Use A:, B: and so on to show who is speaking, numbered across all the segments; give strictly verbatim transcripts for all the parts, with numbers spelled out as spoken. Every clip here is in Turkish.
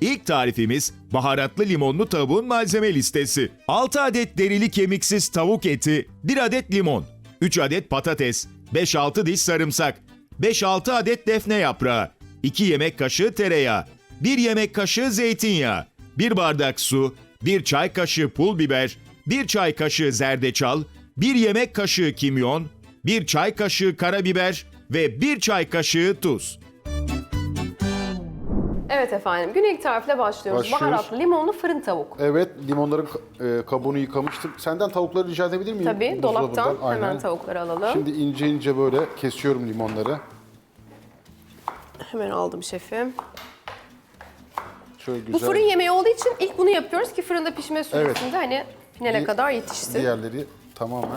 A: İlk tarifimiz baharatlı limonlu tavuğun malzeme listesi. altı adet derili kemiksiz tavuk eti, bir adet limon, üç adet patates, beş altı diş sarımsak, beş altı adet defne yaprağı, iki yemek kaşığı tereyağı, bir yemek kaşığı zeytinyağı, bir bardak su, bir çay kaşığı pul biber, bir çay kaşığı zerdeçal, bir yemek kaşığı kimyon, bir çay kaşığı karabiber ve bir çay kaşığı tuz.
B: Evet efendim, güne ilk tarifle başlıyoruz.
C: Başlıyoruz.
B: Baharatlı limonlu fırın tavuk.
C: Evet, limonların e, kabuğunu yıkamıştım. Senden tavukları rica edebilir miyim?
B: Tabii, dolaptan
C: Buzdolabından.
B: hemen
C: Aynen.
B: tavukları alalım.
C: Şimdi ince ince böyle kesiyorum limonları.
B: Hemen aldım şefim.
C: Şöyle güzel.
B: Bu fırın yemeği olduğu için ilk bunu yapıyoruz ki fırında pişme süresinde hani finale
C: Di-
B: kadar yetişsin.
C: Diğerleri tamamen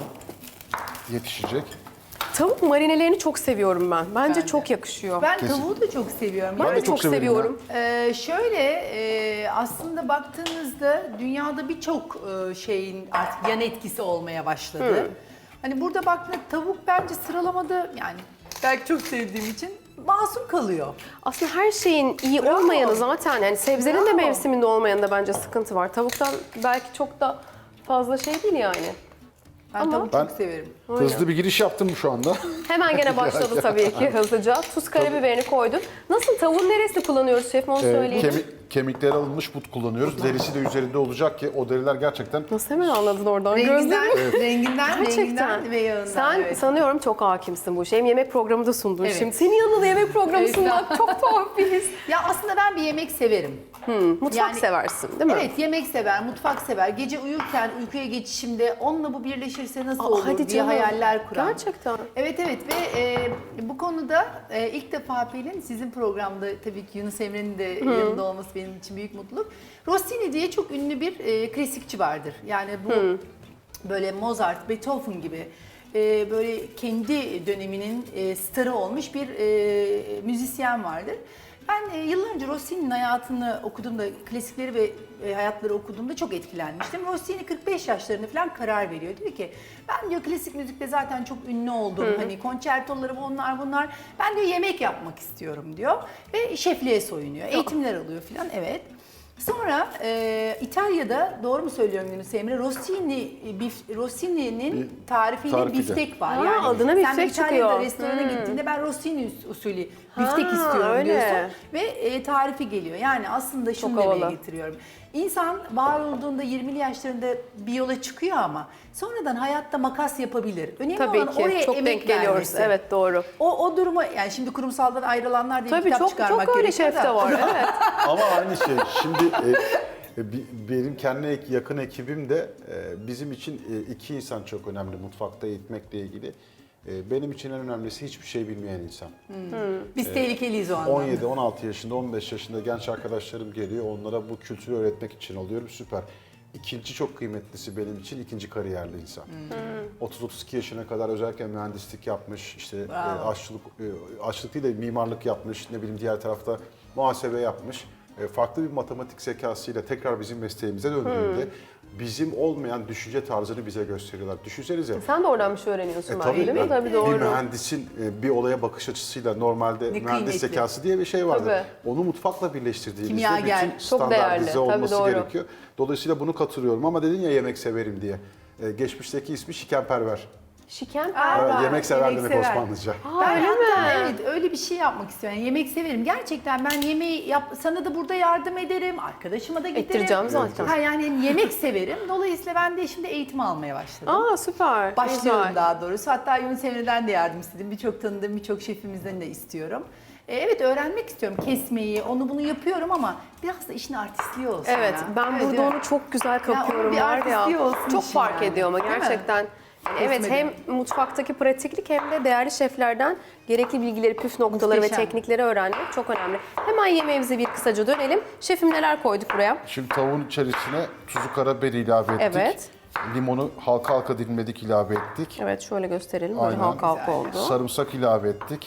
C: yetişecek.
B: Tavuk marinelerini çok seviyorum ben. Bence
D: Ben de.
B: çok yakışıyor.
D: Ben
C: Kesin.
D: tavuğu da çok seviyorum.
B: Ben
C: Ben
B: de
C: de
B: çok
C: çok severim
B: seviyorum.
D: Ee, şöyle e, aslında baktığınızda dünyada birçok e, şeyin artık yan etkisi olmaya başladı. Hani burada baktığında tavuk bence sıralamada yani belki çok sevdiğim için masum kalıyor.
B: Aslında her şeyin iyi
D: Bravo.
B: olmayanı zaten yani sebzenin de
D: Bravo.
B: mevsiminde olmayanında bence sıkıntı var. Tavuktan belki çok da fazla şey değil yani.
D: Ben
B: Ama-
D: tavuğu
C: Ben-
D: çok severim.
C: Hızlı bir giriş yaptım şu anda.
B: Hemen gene başladı tabii ki hızlıca. Tuz, karabiberini koyduk. Nasıl, tavuğun neresini kullanıyoruz şefim, onu
C: Ee,
B: söyleyelim.
C: kemi- kemikleri alınmış but kullanıyoruz. Derisi de üzerinde olacak ki o deriler gerçekten
B: Nasıl hemen anladın oradan?
D: Renginden,
B: Gözlerim-
D: renginden,
B: Gerçekten.
D: renginden ve yağından.
B: Sen
D: evet.
B: sanıyorum çok hakimsin bu işe. Hem yemek programı da sundun
D: Evet.
B: şimdi. Senin yanında da yemek programı
D: Evet.
B: sunmak çok tuhaf bir his.
D: Ya aslında ben bir yemek severim.
B: Mutfak
D: Yani-
B: seversin değil mi?
D: Evet, yemek sever, mutfak sever. Gece uyurken uykuya geçişimde onunla bu birleşirse nasıl
B: Aa,
D: olur
B: hadi
D: diye
B: canım.
D: hayaller kuran.
B: Gerçekten.
D: Evet evet ve e, bu konuda e, ilk defa Pelin sizin programda tabii ki Yunus Emre'nin de yanında olması benim için büyük mutluluk. Rossini diye çok ünlü bir e, klasikçi vardır. Yani bu böyle Mozart, Beethoven gibi e, böyle kendi döneminin e, starı olmuş bir e, müzisyen vardır. Ben e, yıllar önce Rossini'nin hayatını okuduğumda, klasikleri ve e, hayatları okuduğumda çok etkilenmiştim. Rossini kırk beş yaşlarında falan karar veriyor. Diyor ki ben diyor klasik müzikte zaten çok ünlü oldum. Hani konçertolarım onlar bunlar. Ben diyor yemek yapmak istiyorum diyor. Ve şefliğe soyunuyor. Eğitimler alıyor falan, evet. Sonra e, İtalya'da, doğru mu söylüyorum Yunus Emre, Rossini, bif, Rossini'nin tarifiyle
C: tarifi de.
D: biftek var.
B: Ha,
D: yani
B: adına
D: sen
B: biftek
D: İtalya'da
B: çıkıyor.
D: restorana
B: Hmm.
D: gittiğinde ben Rossini us- usulü biftek
B: Ha,
D: istiyorum
B: öyle.
D: diyorsun ve e, tarifi geliyor. Yani aslında şunu
B: Çok
D: demeye
B: havalı.
D: getiriyorum. İnsan var olduğunda yirmili yaşlarında bir yola çıkıyor ama sonradan hayatta makas yapabilir. Önemli
B: Tabii
D: olan
B: ki.
D: oraya
B: Çok
D: emek
B: denk geliyoruz.
D: vermesi.
B: Evet, doğru.
D: O, o duruma yani şimdi kurumsaldan ayrılanlar diye bir
B: Tabii
D: kitap
B: çok
D: çıkarmak
B: çok öyle
D: gerekiyor
B: şef
D: da.
B: de var. Evet.
C: Ama aynı şey. Şimdi e, e, bi- benim kendi ek- yakın ekibim de e, bizim için e, iki insan çok önemli mutfakta eğitmekle ilgili. E, benim için en önemlisi hiçbir şey bilmeyen insan.
D: Biz tehlikeliyiz o anlamda.
C: on yedi on altı yaşında, on beş yaşında genç arkadaşlarım geliyor. Onlara bu kültürü öğretmek için alıyorum. Süper. İkinci çok kıymetlisi benim için ikinci kariyerli insan. otuz otuz iki yaşına kadar özellikle mühendislik yapmış, işte e,
D: Bravo.
C: aşçılık, e, aşçılık değil de mimarlık yapmış, ne bileyim diğer tarafta muhasebe yapmış. E, farklı bir matematik zekasıyla tekrar bizim mesleğimize döndüğünde bizim olmayan düşünce tarzını bize gösteriyorlar. Düşünsenize.
B: Sen de oradan bir şey öğreniyorsun
C: E,
B: belki değil mi?
C: ben-
B: Tabii
C: bir
B: doğru.
C: mühendisin e, bir olaya bakış açısıyla normalde
D: Ne
C: mühendis
D: kıymetli.
C: zekası diye bir şey vardır.
B: Tabii.
C: Onu mutfakla birleştirdiğinizde
D: Kimyager.
C: bütün
B: Çok değerli.
C: standartize
B: Tabii
C: olması
B: doğru.
C: gerekiyor. Dolayısıyla bunu katılıyorum ama dedin ya yemek severim diye. E, geçmişteki ismi şikenperver.
B: Şiken
D: Aa,
C: Evet,
D: var.
C: yemek sever
D: Yemek
C: demek
D: sever.
C: Osmanlıca.
B: Aa,
D: Ben
B: öyle
D: hatta
B: mi?
D: evet öyle bir şey yapmak istiyorum. Yani yemek severim. Gerçekten ben yemeği yap, sana da burada yardım ederim. Arkadaşıma da giderim.
B: Ettireceğim zaten.
D: Ha, yani yemek severim. Dolayısıyla ben de şimdi eğitim almaya başladım.
B: Aa, süper.
D: Başlıyorum
B: Güzel.
D: daha doğrusu. Hatta Yunus Emre'den de yardım istedim. Birçok tanıdığım birçok şefimizden de istiyorum. E, evet öğrenmek istiyorum kesmeyi, onu bunu yapıyorum ama biraz da işin artistliği olsun
B: Evet,
D: ya.
B: ben
D: Evet,
B: burada
D: değil mi?
B: onu çok güzel
D: Ya onun
B: kapıyorum
D: bir
B: var ya.
D: artistliği olsun
B: Çok
D: işin
B: fark
D: yani.
B: ediyor ama
D: Değil mi?
B: gerçekten. Yani evet,
D: Kesmedi.
B: hem mutfaktaki pratiklik hem de değerli şeflerden gerekli bilgileri, püf noktaları
D: Muhteşem.
B: ve teknikleri öğrenmek çok önemli. Hemen yemeğimize bir kısaca dönelim. Şefim neler koyduk buraya?
C: Şimdi tavuğun içerisine tuzu karabiber ilave ettik.
B: Evet.
C: Limonu halka halka dilimledik, ilave ettik.
B: Evet, şöyle gösterelim. Böyle
C: Aynen.
B: halka halka
D: Güzel.
B: oldu.
C: Sarımsak ilave ettik.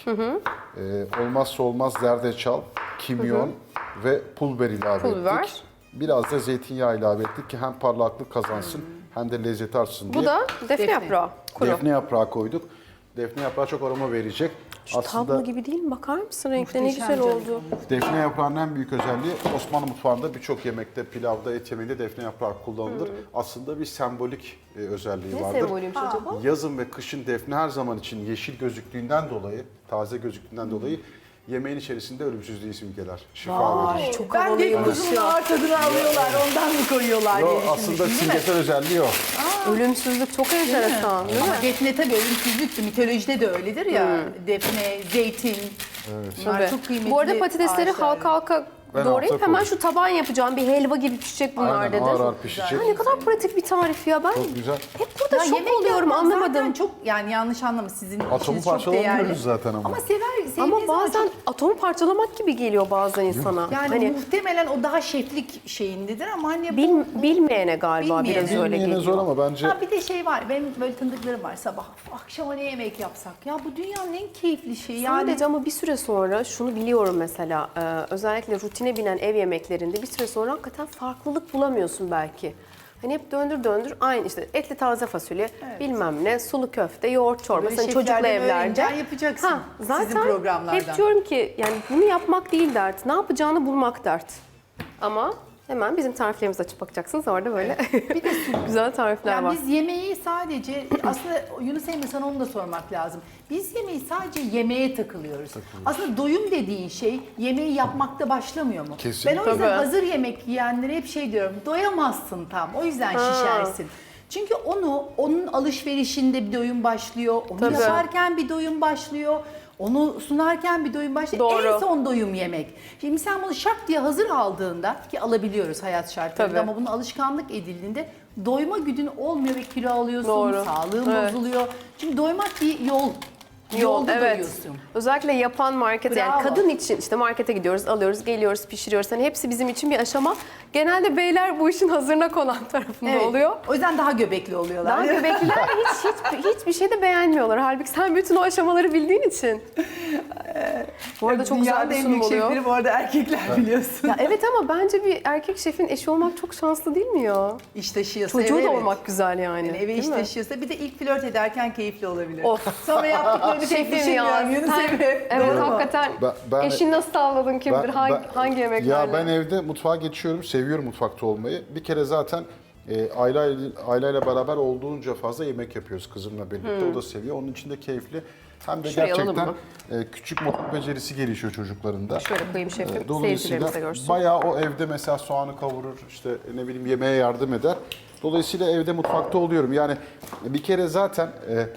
C: Ee, olmazsa olmaz zerdeçal, kimyon ve pul biber ilave
B: Pul biber.
C: ettik. Biraz da zeytinyağı ilave ettik ki hem parlaklık kazansın hem de lezzeti artsın diye.
B: Bu da defne,
D: Defne.
B: yaprağı. Kuru.
C: Defne yaprağı koyduk. Defne yaprağı çok aroma verecek.
B: Şu tablo gibi değil mi? Bakar mısın? Renkleri ne
D: Muhteşem
B: güzel
D: canım.
B: oldu.
C: Defne yaprağının en büyük özelliği Osmanlı mutfağında birçok yemekte, pilavda, et yemeğinde defne yaprağı kullanılır. Aslında bir sembolik e, özelliği
B: Ne
C: vardır.
B: sembolüymüş acaba?
C: Yazın ve kışın defne her zaman için yeşil gözüktüğünden dolayı, taze gözüktüğünden dolayı yemeğin içerisinde ölümsüzlüğü simgeler. Şifa verir.
D: Ay,
B: çok
D: ben de
B: havalıymış
D: kuzunun
B: ya.
D: ağır tadını alıyorlar, ondan mı koyuyorlar
C: Yo,
D: diye
C: aslında
D: düşünmüştüm, değil mi?
C: simgesel özelliği o.
B: Ölümsüzlük çok enteresan değil mi?
D: Ama defne tabii ölümsüzlüktü. Mitolojide de öyledir ya. Defne, zeytin. Bunlar
B: Tabii.
D: çok kıymetli
B: Bu arada patatesleri
D: ağaçlar.
B: halka halka
C: Ben
B: doğrayıp
C: alta
B: hemen
C: koydum.
B: şu taban yapacağım. Bir helva gibi pişecek bunlar
C: Aynen,
B: dedin.
C: ağır ağır pişecek.
B: Ha, ne kadar pratik bir tarif ya. Ben
C: Çok güzel.
B: hep burada
D: Ya
B: şok
D: yemek
B: oluyorum,
D: yapmak zaten
B: anlamadım.
D: çok, yani yanlış anlama, sizin
C: Atomu
D: işiniz çok değerli.
C: parçalamıyoruz zaten ama.
D: Ama sever, sevdiğiniz
B: Ama
D: zaman
B: bazen
D: çok-
B: atomu parçalamak gibi geliyor bazen insana.
D: yani
B: hani
D: muhtemelen o daha şeflik şeyindedir ama hani
B: bil,
D: bu,
B: bilmeyene galiba
D: Bilmeyene.
B: biraz öyle
C: Bilmeyene
B: geliyor.
C: zor ama bence
D: Ha bir de şey var, benim böyle tanıdıklarım var, sabah akşama ne yemek yapsak? Ya bu dünyanın en keyifli şeyi yani.
B: Sadece ama bir süre sonra şunu biliyorum mesela, e, özellikle rutine binen ev yemeklerinde bir süre sonra hakikaten farklılık bulamıyorsun belki. Hani hep döndür döndür aynı işte etli taze fasulye, bilmem ne, sulu köfte, yoğurt çorbası,
D: Böyle
B: hani çocuklu
D: şeflerden
B: evlerde.
D: öğreneceksin, yapacaksın sizin programlardan.
B: Hep diyorum ki yani bunu yapmak değil dert, ne yapacağını bulmak dert. Ama hemen bizim tariflerimizi açıp bakacaksınız, orada böyle güzel tarifler
D: Yani
B: var.
D: biz yemeği sadece, aslında Yunus Emre sana onu da sormak lazım. Biz yemeği sadece yemeğe takılıyoruz. Aslında doyum dediğin şey yemeği yapmakta başlamıyor mu?
C: Kesinlikle.
D: Ben o yüzden
B: Tabii.
D: hazır yemek yiyenlere hep şey diyorum, doyamazsın tam, o yüzden
B: Ha.
D: şişersin. Çünkü onu, onun alışverişinde bir doyum başlıyor, onu
B: Tabii.
D: yaparken bir doyum başlıyor. Onu sunarken bir doyum başlıyor.
B: Doğru.
D: En son doyum yemek. Şimdi sen bunu şak diye hazır aldığında, ki alabiliyoruz hayat şartlarında,
B: Tabii.
D: ama bunun alışkanlık edildiğinde doyma güdün olmuyor ve kilo alıyorsun,
B: Doğru.
D: sağlığın
B: Evet.
D: bozuluyor. Çünkü doymak bir yol. Yolda
B: evet.
D: doyuyorsun.
B: Özellikle yapan market, yani
D: Bravo.
B: kadın için işte markete gidiyoruz, alıyoruz, geliyoruz, pişiriyoruz. Hani hepsi bizim için bir aşama. Genelde beyler bu işin hazırına konan tarafında
D: Evet.
B: oluyor.
D: O yüzden daha göbekli oluyorlar.
B: Daha göbekliler hiç, hiç hiçbir şey de beğenmiyorlar. Halbuki sen bütün o aşamaları bildiğin için. Bu arada çok güzel
D: Dünyanın
B: bir
D: en
B: sunum
D: büyük
B: oluyor.
D: şefleri bu arada erkekler biliyorsun.
B: Ya evet, ama bence bir erkek şefin eşi olmak çok şanslı değil mi ya?
D: İş taşıyorsa
B: Çocuğu
D: eve,
B: da
D: evet.
B: olmak güzel yani.
D: Yani eve
B: değil
D: iş
B: mi?
D: taşıyorsa, bir de ilk flört ederken keyifli olabilir.
B: Of.
D: Sonra yaptıklarını tek
B: Şefim
D: düşünmüyorum
B: ya.
D: Yunus
B: Sen-
D: Emre.
B: Evet,
D: Doğru mu?
B: hakikaten
C: Ben- ben-
B: eşini nasıl tavladın kim bilir,
C: Ben-
B: hangi,
C: ben-
B: hangi yemeklerle?
C: Ya ben evde mutfağa geçiyorum, seviyorum mutfakta olmayı. Bir kere zaten e, Ayla Ayla'yla beraber olduğunca fazla yemek yapıyoruz kızımla birlikte. O da seviyor. Onun için de keyifli. Hem de
B: Şuraya alalım
C: gerçekten e, küçük mutfak becerisi gelişiyor çocuklarında.
B: Şöyle koyayım şefim,
C: E, Dolayısıyla
B: seyircilerimiz de görsün.
C: bayağı o evde mesela soğanı kavurur, işte ne bileyim yemeğe yardım eder. Dolayısıyla evde mutfakta oluyorum. Yani bir kere zaten e,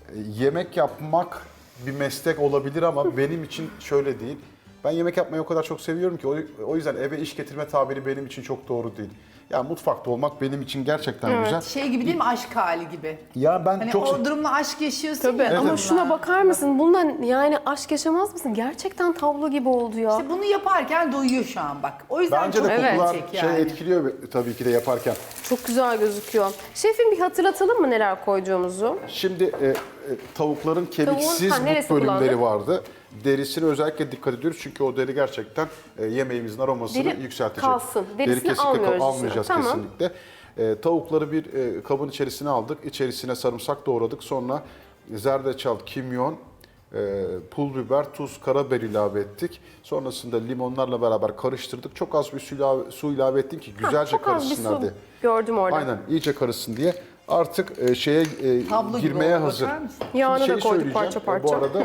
C: yemek yapmak bir meslek olabilir ama benim için şöyle değil. Ben yemek yapmayı o kadar çok seviyorum ki o, o yüzden eve iş getirme tabiri benim için çok doğru değil. Yani mutfakta olmak benim için gerçekten güzel.
D: Şey gibi değil mi, aşk hali gibi.
C: Ya ben
D: Hani
C: çok
D: o durumla aşk yaşıyorsun
B: Tabii
D: ya.
B: ama
D: durumla.
B: şuna bakar mısın? Bundan yani aşk yaşamaz mısın? Gerçekten tablo gibi oldu ya.
D: İşte bunu yaparken doyuyor şu an bak. O yüzden
C: bence
D: çok
C: de
B: Evet.
C: kokular
D: gerçek
C: şey
D: yani.
C: etkiliyor tabii ki de yaparken.
B: Çok güzel gözüküyor. Şefim, bir hatırlatalım mı neler koyduğumuzu?
C: Şimdi e, e, tavukların kemiksiz
B: ha, neresi
C: but bölümleri
B: kullandık?
C: vardı. Derisine özellikle dikkat ediyoruz çünkü o deri gerçekten e, yemeğimizin aromasını
B: Deri
C: yükseltecek.
B: kalsın. Derisini
C: Deri kesinlikle
B: almıyoruz
C: kal-
B: içine.
C: almayacağız
B: Tamam.
C: kesinlikle. E, tavukları bir e, kabın içerisine aldık. İçerisine sarımsak doğradık. Sonra zerdeçal, kimyon, e, pul biber, tuz, karabiber ilave ettik. Sonrasında limonlarla beraber karıştırdık. Çok az bir su ilave, su ilave ettim ki
B: Ha,
C: güzelce
B: çok az bir
C: karışsınlar
B: su
C: diye.
B: gördüm orada.
C: Aynen, iyice karışsın diye. Artık e, şeye e,
D: Tablo gibi
C: girmeye
D: oldu,
C: hazır.
D: bakar mısın?
C: Şimdi
B: Yağını da
C: şeyi
B: koyduk
C: söyleyeceğim.
B: parça
C: E,
B: parça.
C: Bu arada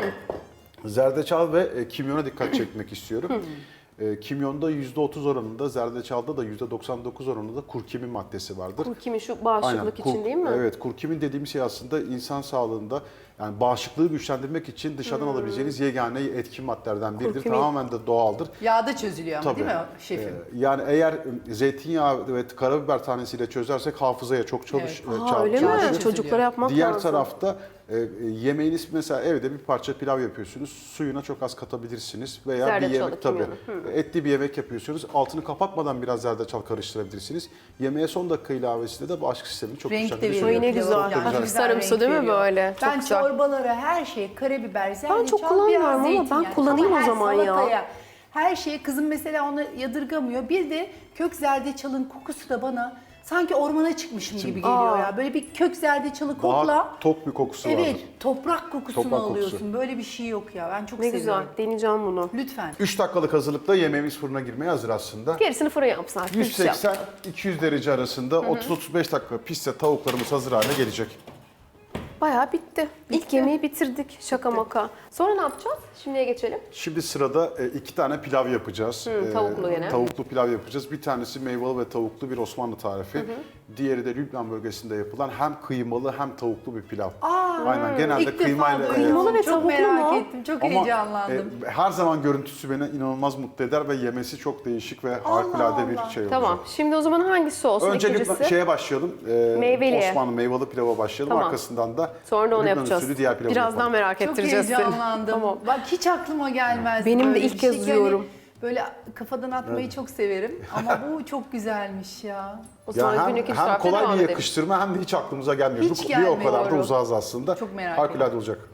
C: zerdeçal ve e, kimyona dikkat çekmek istiyorum. E, kimyonda yüzde otuz oranında, zerdeçalda da yüzde doksan dokuz oranında kurkumin maddesi vardır.
B: Kurkumin şu bağışıklık
C: kur-
B: için değil mi?
C: Evet, kurkumin dediğimiz şey aslında insan sağlığında, yani bağışıklığı güçlendirmek için dışarıdan alabileceğiniz yegane etkin maddelerden biridir.
B: Kurkumin.
C: Tamamen de doğaldır.
D: Yağda çözülüyor ama
C: Tabii.
D: değil mi şefim?
C: Ee, yani eğer e, zeytinyağı ve karabiber tanesiyle çözersek hafızaya çok çalış,
D: Evet.
C: e,
B: Aa,
C: çal-
B: öyle mi?
C: çalışır.
B: Çocuklara yapmak
C: Diğer
B: lazım.
C: tarafta e, e, yemeğiniz mesela evde bir parça pilav yapıyorsunuz. Suyuna çok az katabilirsiniz veya bir
B: Zerdeçalı,
C: yemek tabii
B: kimyonu.
C: etli bir yemek yapıyorsunuz. Altını kapatmadan biraz zerdeçal karıştırabilirsiniz. Yemeğe son dakika ilavesiyle de bağışıklık sistemini çok
D: Renk de
C: güçlendirir.
D: veriyor.
B: Ay ne
D: Pilav
B: güzel.
D: yani.
B: Hafif
D: Güzel
B: sarımsı
D: renk
B: değil mi
D: veriyor.
B: böyle? Çok
D: Ben
B: güzel.
D: çorbalara, her şey, karabiber, zerdeçal,
B: Ben çok kullanmıyorum ama
D: biraz
B: ben
D: zeytinyağı.
B: kullanayım
D: Ama
B: o
D: her
B: zaman ya.
D: salataya, her şeye, kızım mesela onu yadırgamıyor. Bir de kök zerdeçalın kokusu da bana sanki ormana çıkmışım gibi geliyor
B: Aa.
D: ya. Böyle bir kök zerdeçalı
C: Daha
D: kokla.
C: tok bir kokusu
D: Evet,
C: vardır.
D: toprak kokusunu
C: Toprak kokusu.
D: alıyorsun. Böyle bir şey yok ya. Ben çok
B: Ne güzel.
D: seviyorum.
B: Deneyeceğim bunu.
D: Lütfen.
C: üç dakikalık hazırlıkta yemeğimiz fırına girmeye hazır aslında.
B: Gerisini fırın yapsın artık.
C: yüz
B: hiçbir şey
C: seksen
B: yapma.
C: iki yüz derece arasında otuz otuz beş dakika pişse tavuklarımız hazır hale gelecek.
B: Bayağı bitti. İlk yemeği bitirdik. Şaka maka. Sonra ne yapacağız? Şimdiye geçelim.
C: Şimdi sırada e, iki tane pilav yapacağız.
B: Hı, tavuklu
C: E,
B: gene.
C: Tavuklu pilav yapacağız. Bir tanesi meyveli ve tavuklu bir Osmanlı tarifi. Diğeri de Lübnan bölgesinde yapılan hem kıymalı hem tavuklu bir pilav. Aynen genelde
D: İlk defa
C: kıymayla.
D: duydum.
B: Kıymalı ve
D: Çok
B: tavuklu
D: merak
B: mu?
D: ettim. Çok
C: Ama
D: heyecanlandım.
C: e, her zaman görüntüsü beni inanılmaz mutlu eder ve yemesi çok değişik ve harikulade bir
D: Allah.
C: şey olacak.
B: Tamam. Şimdi o zaman hangisi olsun
C: Önce
B: ikincisi?
C: Lübnan şeye başlayalım. E,
B: Meyveliye.
C: Osmanlı meyveli pilava başlayalım.
B: Tamam.
C: Arkasından da
B: Sonra da onu
C: Lübnan
B: yapacağız.
C: usulü diğer pilavı
B: Birazdan
C: yapalım.
B: merak
D: Çok
B: ettireceğiz seni.
D: heyecanlandım.
B: Tamam.
D: Bak hiç aklıma gelmez.
B: Benim de
D: böyle
B: ilk
D: bir
B: kez
D: şey.
B: duyuyorum.
D: Yani böyle kafadan atmayı çok severim ama bu çok güzelmiş ya.
B: O zaman
C: Ya hem,
B: günlük iç
C: hem
B: tarifte
C: kolay
B: devam
C: bir
B: edelim.
C: yakıştırma hem de hiç aklımıza gelmiyor.
D: Hiç
C: Bu- bir o kadar da
D: gelmiyor.
C: uzağız aslında.
D: Çok merak
C: Harikulade
D: ediyorum.
C: olacak.